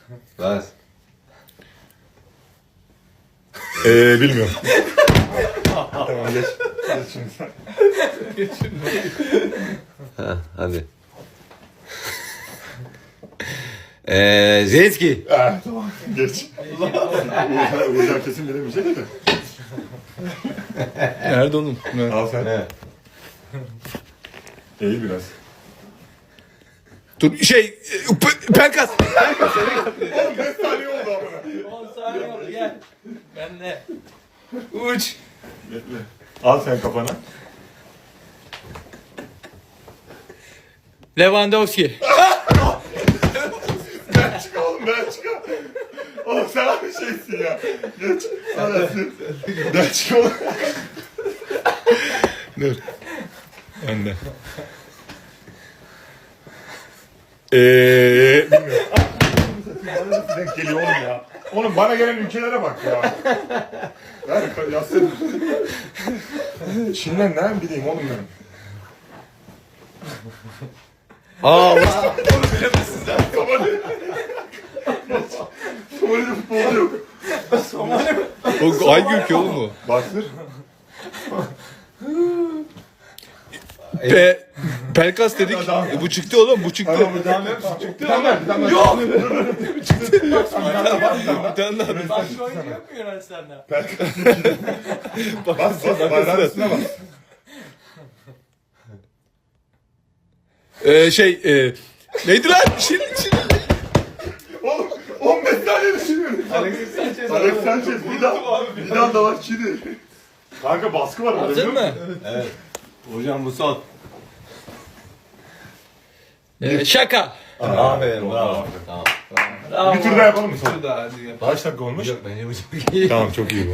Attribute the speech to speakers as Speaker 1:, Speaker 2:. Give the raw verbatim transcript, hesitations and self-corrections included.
Speaker 1: Bas.
Speaker 2: Eee bilmiyorum. Tamam geç. Geç şimdi sen.
Speaker 1: Ha, hadi. Eee Zelenski.
Speaker 2: Ah, tamam geç. Uğurcan, Uğurcan kesin bilemeyecek de.
Speaker 3: Nerede oğlum? Ne?
Speaker 2: Al sen.
Speaker 1: Ne?
Speaker 2: Eğil biraz.
Speaker 3: Dur şey e, P- Pelkas.
Speaker 2: Oğlum beş saniye oldu amına.
Speaker 4: on saniye oldu gel. Ben de.
Speaker 3: Uç.
Speaker 2: Bekle. Al sen kafana.
Speaker 3: Lewandowski.
Speaker 2: Ben çık oğlum ben çık. Oğlum sen bir şeysin ya. Geç. Arası. Ben çık oğlum.
Speaker 3: Dur. Ben de. Eee bilmiyorum.
Speaker 2: Bana nasıl denk geliyor oğlum ya? Oğlum bana gelen ülkelere bak ya. Ver yazsın. Çin'den nereden bileyim oğlum ben?
Speaker 3: Aa
Speaker 2: Somali. Somali'de futbolcu yok.
Speaker 3: o hangi ülke oğlum bu?
Speaker 2: Bastır.
Speaker 3: Pe Pelkas dedik. E, bu çıktı oğlum bu çıktı.
Speaker 2: Tamam, devam et. Çıktı. Tamam, tamam. Yok.
Speaker 3: Bir tane daha.
Speaker 4: Başka oyuncu yok mu Yunanistan'da?
Speaker 2: Bas bas. Bayrağın üstüne bas.
Speaker 3: Eee şey e, neydi lan? Şirin şirin.
Speaker 2: Oğlum on beş saniye düşünüyorum.
Speaker 4: Alexis Sanchez.
Speaker 2: Alex Sanchez bir daha. Bir daha da var Çin'i. Kanka baskı var orada.
Speaker 3: Hazır mı?
Speaker 1: Evet. Hocam bu son.
Speaker 3: Eee şaka.
Speaker 1: Aferin bravo. Tamam.
Speaker 2: Bir tur daha yapalım mı son?
Speaker 4: Şurada hadi gel.
Speaker 2: Kaç dakika olmuş?
Speaker 1: Yok bence bu çok iyi.
Speaker 2: Tamam çok iyi bu.